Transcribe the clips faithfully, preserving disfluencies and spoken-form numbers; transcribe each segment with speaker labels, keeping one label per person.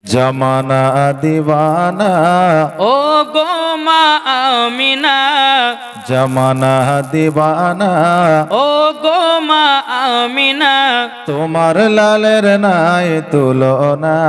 Speaker 1: জামানা দিওয়ানা
Speaker 2: ও গো মা আমিনা,
Speaker 1: জামানা দিওয়ানা
Speaker 2: ও গো মা আমিনা,
Speaker 1: তোমার লালের নাই তুলনা।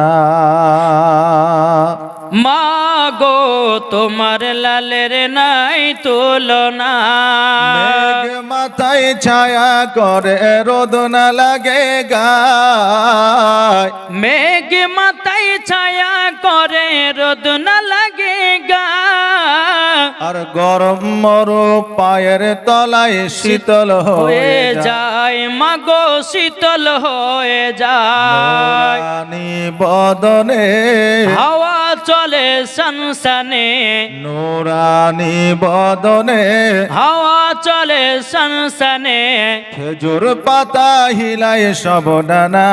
Speaker 2: মা গো তোমার লালের নাই তুলনা।
Speaker 1: মেঘ মাথায় ছায়া করে রোদ না লাগে গায়,
Speaker 2: মেঘ মাথায় ছায়া করে রোদ না লাগে গা,
Speaker 1: আর গরম মরু পায়ের তলায় শীতল
Speaker 2: হয়ে যায় মাগো শীতল হয়ে যায়।
Speaker 1: নুরানি বদনে
Speaker 2: হাওয়া চলে সনসনে,
Speaker 1: নুরানি বদনে
Speaker 2: হাওয়া চলে সনসনে,
Speaker 1: খেজুর পাতা হিলায় সব ডানা।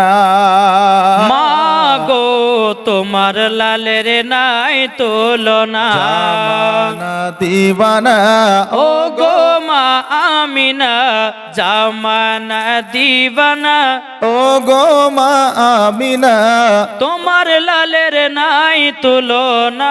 Speaker 2: মাগো তোমার লালের নাই তুলনা।
Speaker 1: জামানা দিওয়ানা
Speaker 2: ও গো মা আমিনা, জামানা দিওয়ানা,
Speaker 1: ও গো মা আমিনা
Speaker 2: তোমার লালের নাই তুলনা।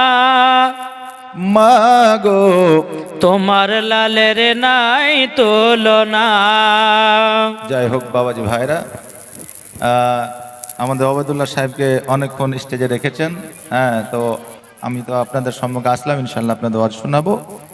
Speaker 1: মাগো
Speaker 2: তোমার লালের নাই তুলনা।
Speaker 1: যাই হোক বাবাজি ভাইরা, আহ, আমাদের ওবায়দুল্লাহ সাহেবকে অনেকক্ষণ স্টেজে রেখেছেন। হ্যাঁ, তো আমি তো আপনাদের সম্মুখে আসলাম, ইনশাল্লাহ আপনাদের ওয়াজ শোনাবো।